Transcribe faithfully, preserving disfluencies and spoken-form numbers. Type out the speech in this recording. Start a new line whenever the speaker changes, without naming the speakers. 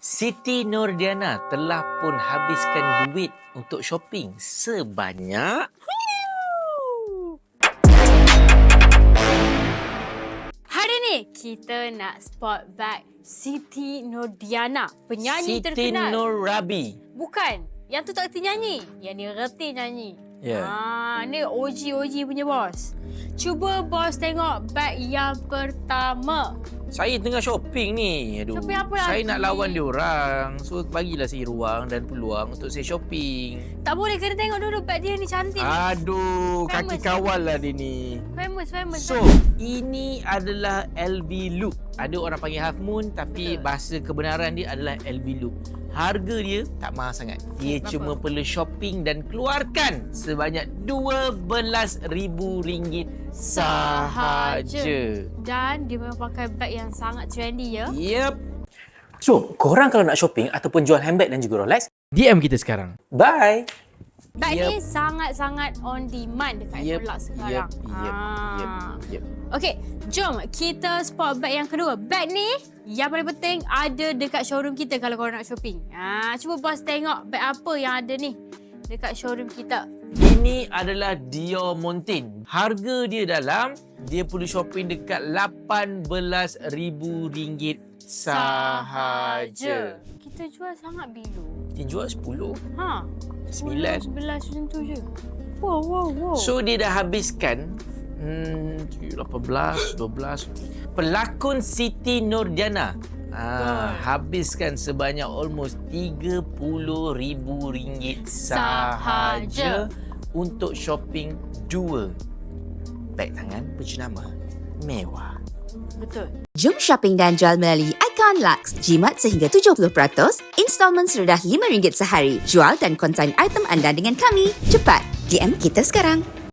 Siti Nordiana telah pun habiskan duit untuk shopping sebanyak...
Hari ni kita nak spot bag Siti Nordiana, penyanyi
Siti
terkenal.
Nur Rabi.
Bukan, yang tu tak reti nyanyi. Yang ni reti nyanyi.
Ya.
Ah, ni O G O G punya bos. Cuba bos tengok bag yang pertama.
Saya tengah shopping ni. Aduh.
Shopping apa
Saya
lagi?
nak lawan dia orang. So bagilah saya ruang dan peluang untuk saya shopping.
Tak boleh, kena tengok dulu bag dia ni cantik.
Aduh,
Famous,
kaki kawal lah dia ni.
Famous, famous.
So, ini adalah L V Look. Ada orang panggil Half Moon tapi
Betul.
bahasa kebenaran dia adalah L V Look. Harga dia tak mahal sangat. Dia
Berapa?
cuma perlu shopping dan keluarkan sebanyak dua belas ribu ringgit sahaja.
Dan dia memang pakai bag yang sangat trendy ya.
Yep.
So, korang kalau nak shopping ataupun jual handbag dan juga Rolex,
D M kita sekarang.
bye!
Bag
Yep.
ni sangat-sangat on demand dekat
Yep.
Ecolux sekarang.
Yep. Yep.
Ah.
Yep. Yep.
Okey, jom kita spot bag yang kedua. Bag ni yang paling penting ada dekat showroom kita kalau korang nak shopping. Ah, cuba bos tengok bag apa yang ada ni dekat showroom kita.
Ini adalah Dior Montaigne. Harga dia dalam, dia perlu shopping dekat lapan belas ribu ringgit sahaja.
Kita jual sangat bilu.
Dia jual sepuluh.
Ha.
Sembilan.
sebelas macam tu je. Wow, wow, wow.
So dia dah habiskan hmm, lapan belas, dua belas. Pelakon Siti Nordiana ah, habiskan sebanyak almost tiga puluh ribu ringgit sahaja,
Sahaja.
untuk shopping dua beg tangan berjenama mewah.
Betul.
Jom shopping dan jual melalui Icon Lux. Jimat sehingga tujuh puluh peratus, installment serendah lima ringgit sehari. Jual dan konsign item anda dengan kami. Cepat, D M kita sekarang.